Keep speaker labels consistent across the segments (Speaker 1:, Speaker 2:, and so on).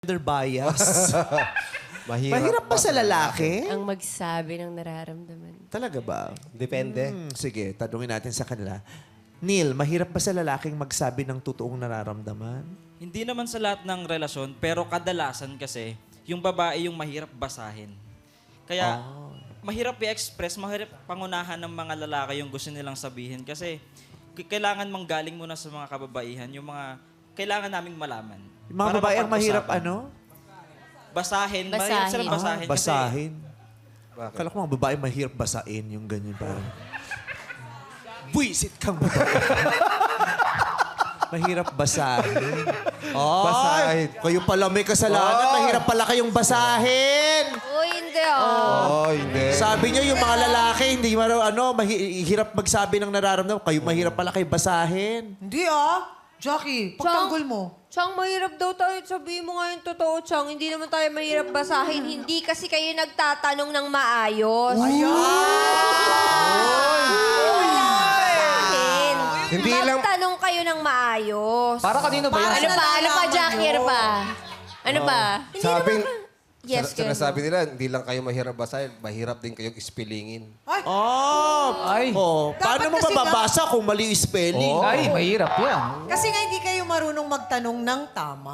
Speaker 1: Gender bias.
Speaker 2: Mahirap,
Speaker 1: Mahirap ba sa lalaki?
Speaker 3: Ang magsabi ng nararamdaman.
Speaker 1: Talaga ba?
Speaker 2: Depende.
Speaker 1: Sige, tanungin natin sa kanila. Neil, mahirap ba sa lalaking magsabi ng totoong nararamdaman?
Speaker 4: Hindi naman sa lahat ng relasyon, pero kadalasan kasi, yung babae yung mahirap basahin. Kaya, mahirap i-express, mahirap pangunahan ng mga lalaki yung gusto nilang sabihin. Kasi, kailangan manggaling muna sa mga kababaihan, yung mga kailangan naming malaman.
Speaker 1: Yung mga
Speaker 4: Para
Speaker 1: babae ang mahirap
Speaker 4: mapag-usapan.
Speaker 1: Basahin.
Speaker 4: Mahirap silang basahin. kasi
Speaker 1: Basahin.
Speaker 2: Bakit?
Speaker 1: Akala ko mga babae mahirap basain, yung ganyan parang. Buisit kang babae. Mahirap basahin. Ay,
Speaker 2: Basahin.
Speaker 1: kayo pala may kasalanan. Mahirap pala kayong basahin.
Speaker 3: Uy, hindi
Speaker 2: Oh, hindi.
Speaker 1: Sabi niyo yung mga lalaki, hindi mahirap magsabi ng nararamdaman. Kayo mahirap pala kayo basahin.
Speaker 5: Hindi Jackie, pagtanggol mo.
Speaker 3: Chang, mahirap daw tayo. Sabihin mo nga yung totoo, Chang. Hindi naman tayo mahirap basahin. Hindi kasi kayo nagtatanong ng maayos. Basahin.
Speaker 2: Hindi lang-
Speaker 3: Magtanong kayo ng maayos.
Speaker 6: Para kanino ba yan?
Speaker 3: Ano pa? Ano pa, Jackie? Ano pa? Ano pa? Hindi
Speaker 2: Sabing,
Speaker 3: naman... Yes,
Speaker 2: sinasabi nila, hindi lang kayo mahirap basahin, mahirap din kayong ispilingin.
Speaker 6: Ay.
Speaker 1: Paano mo
Speaker 5: kasi
Speaker 1: mababasa kung mali yung spelling?
Speaker 6: Ay, mahirap yan.
Speaker 5: Kasi nga hindi kayo marunong magtanong ng tama.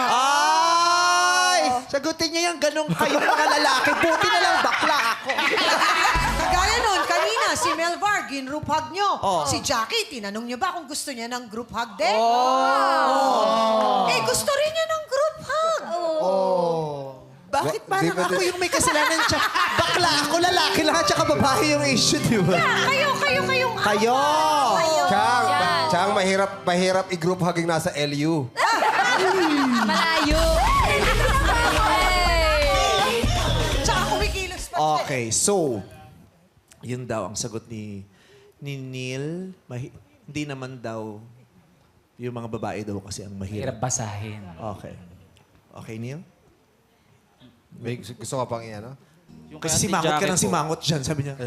Speaker 1: Ay! Sagutin niyo yung ganong kayong mga lalaki. Buti na lang bakla ako.
Speaker 5: Kagaya nun, kanina, si Melvar, group hug nyo.
Speaker 1: Oh.
Speaker 5: Si Jackie, tinanong nyo ba kung gusto niya ng group hug din? Eh, gusto rin niya ng group hug.
Speaker 1: Bakit parang
Speaker 2: Di ba-
Speaker 1: ako yung may kasalanan siya? Bakla ako, lalaki lang at saka babae yung issue, di ba?
Speaker 5: Kayo.
Speaker 1: Kayo!
Speaker 2: Chang, mahirap i-group hugging nasa LU.
Speaker 3: Malayo.
Speaker 5: Tsaka kumikilos pa siya.
Speaker 1: Okay, so, yun daw ang sagot ni Neil. Hindi naman daw yung mga babae daw kasi ang
Speaker 6: Mahirap
Speaker 1: mahirap.
Speaker 6: basahin.
Speaker 1: Okay. Okay, Neil?
Speaker 2: May gusto ka pang iyan, no?
Speaker 4: yung
Speaker 1: Kasi
Speaker 4: kay Ate
Speaker 1: simangot ka
Speaker 4: Jackie
Speaker 1: ng
Speaker 4: po.
Speaker 1: simangot dyan, sabi niya.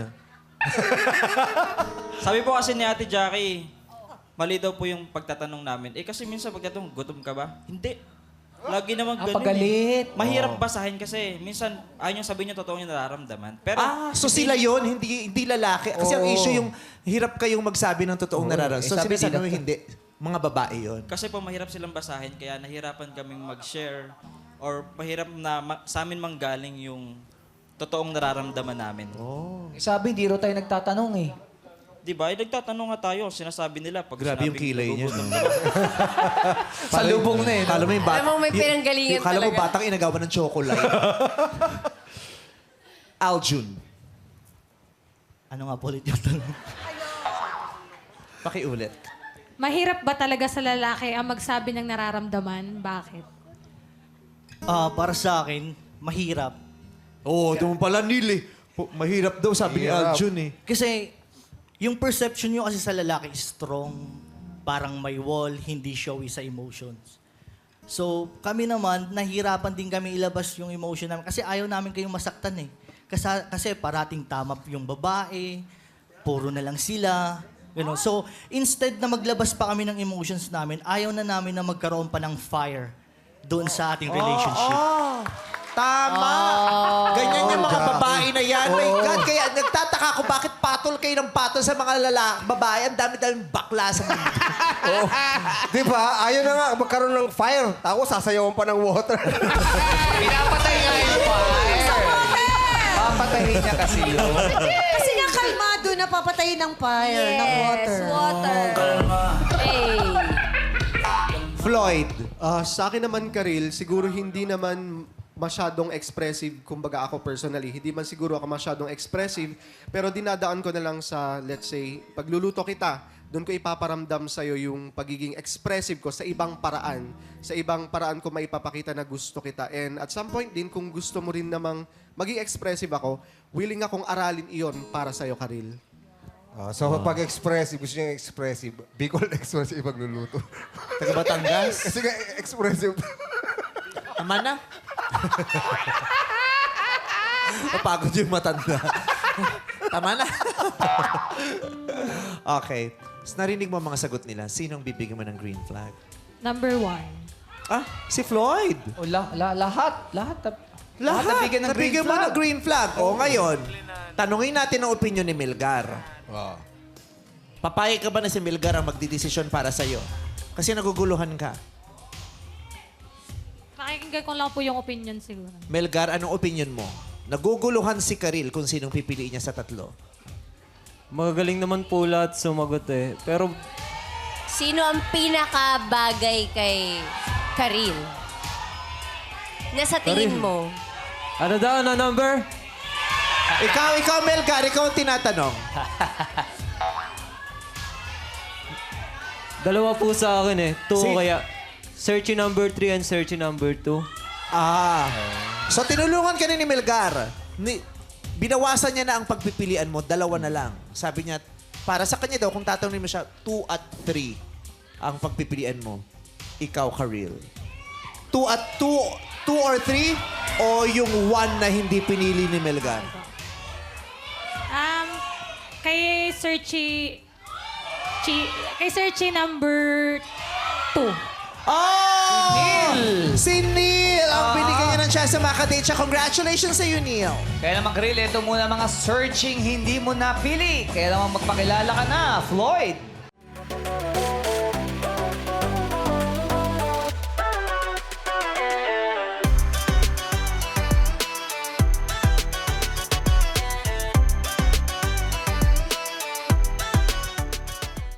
Speaker 4: Sabi po kasi ni Ate Jackie, mali daw po yung pagtatanong namin. Eh kasi minsan pagtatanong, gutom ka ba? Hindi. Lagi naman ganun.
Speaker 6: pagalit.
Speaker 4: Mahirap basahin kasi minsan ayaw niyang sabihin niya totoo niya nararamdaman. Pero
Speaker 1: So sila yon hindi lalaki. Kasi ang issue yung hirap kayong magsabi ng totoong nararamdaman. So
Speaker 6: sabi
Speaker 1: sinasabi mo
Speaker 6: nila-
Speaker 1: hindi. Mga babae yon.
Speaker 4: kasi po mahirap silang basahin kaya nahirapan kaming mag-share or mahirap na sa amin manggaling yung totoong nararamdaman namin.
Speaker 6: Sabi, hindi raw tayo nagtatanong eh.
Speaker 4: Di ba? Nagtatanong nga tayo. Sinasabi nila pag
Speaker 1: Grabe yung
Speaker 4: sinabing
Speaker 1: kilay niya.
Speaker 4: nagugutom
Speaker 1: no?
Speaker 4: ka ba?
Speaker 6: Sa lubong na eh.
Speaker 1: Kala mo yung
Speaker 3: Alam mo, may pinanggalingan
Speaker 1: Kala mo
Speaker 3: talaga.
Speaker 1: batang inagawa ng chocolate. Aljun.
Speaker 7: Ano nga po ulit yung tanong?
Speaker 1: Pakiulit.
Speaker 8: Mahirap ba talaga sa lalaki ang magsabi ng nararamdaman? Bakit?
Speaker 7: Para sa akin, mahirap.
Speaker 1: Doon pala Neil eh. Mahirap daw sabi ni
Speaker 2: Mahirap.
Speaker 1: Aljun eh.
Speaker 7: Kasi yung perception nyo kasi sa lalaki is strong, parang may wall, hindi showy sa emotions. So, kami naman, nahirapan din kami ilabas yung emotion namin kasi ayaw namin kayong masaktan eh. Kasi parating tama yung babae, puro na lang sila. Ganun. So, instead na maglabas pa kami ng emotions namin, ayaw na namin na magkaroon pa ng fire doon sa ating relationship.
Speaker 1: Tama! Ganyan yung mga babae na yan. My God, kaya nagtataka ako bakit patol kayo ng patol sa mga babae. Ang dami-daming bakla sa mundo.
Speaker 2: Di ba? Ayaw na nga magkaroon ng fire. Ako, sasayawan pa ng water.
Speaker 6: Pinapatay nga yung fire. Papatayin niya kasi yun.
Speaker 5: Kasi nga kalmado na papatayin ng fire, ng water.
Speaker 3: Yes, water. Hey.
Speaker 1: Floyd.
Speaker 9: Sa akin naman, Karil, siguro hindi naman masyadong expressive, kumbaga ako personally, hindi man siguro ako masyadong expressive, pero dinadaan ko na lang sa, let's say, pagluluto kita, doon ko ipaparamdam sa'yo yung pagiging expressive ko sa ibang paraan. Sa ibang paraan ko maipapakita na gusto kita. And at some point din, kung gusto mo rin namang maging expressive ako, willing akong aralin iyon para sa'yo, Karil.
Speaker 2: So, pag expressive, gusto niya expressive, Bicol expressive pagluluto.
Speaker 1: Taga Batangas.
Speaker 2: Kasi nga, expressive.
Speaker 1: Tama na. Napagod yung matanda. Tama na. Okay. So, narinig mo ang mga sagot nila. Sinong bibigyan mo ng green flag?
Speaker 8: Number 1.
Speaker 1: Ah, si Floyd.
Speaker 6: O, lahat.
Speaker 1: Lahat.
Speaker 6: nabigyan ng green
Speaker 1: Nabigyan mo
Speaker 6: flag.
Speaker 1: ng green flag. O ngayon, tanungin natin ang opinion ni Milgar. Papayag ka ba na si Milgar ang magdidesisyon para sa'yo? Kasi naguguluhan ka.
Speaker 8: Pakikinggan ko lang po yung opinion siguro.
Speaker 1: Milgar, anong opinion mo? Naguguluhan si Karil kung sinong pipiliin niya sa tatlo.
Speaker 10: Magagaling naman po lahat sumagot eh. Pero
Speaker 3: Sino ang pinakabagay kay Karil? Nasa tingin mo?
Speaker 10: ano daw na number?
Speaker 1: Ikaw, Melgar, ikaw ang tinatanong.
Speaker 10: Dalawa po sa akin eh. Two
Speaker 1: Si-
Speaker 10: kaya. Searchy number 3 and searchy number 2.
Speaker 1: Ah. So, tinulungan ka ni Melgar. Binawasan niya na ang pagpipilian mo, 2 na lang. Sabi niya, para sa kanya daw, kung tatanungin mo siya, 2 at 3 ang pagpipilian mo. Ikaw, Karil. 2 or 3 o yung 1 na hindi pinili ni Melgar?
Speaker 8: Kay Searchy number 2.
Speaker 1: Oh! Si Neil! Ang binigyan niya ng chance na makadate siya. Congratulations sa iyo, Neil.
Speaker 6: Kaya naman, Krill, ito muna mga searching hindi mo napili. Kaya naman magpakilala ka na, Floyd.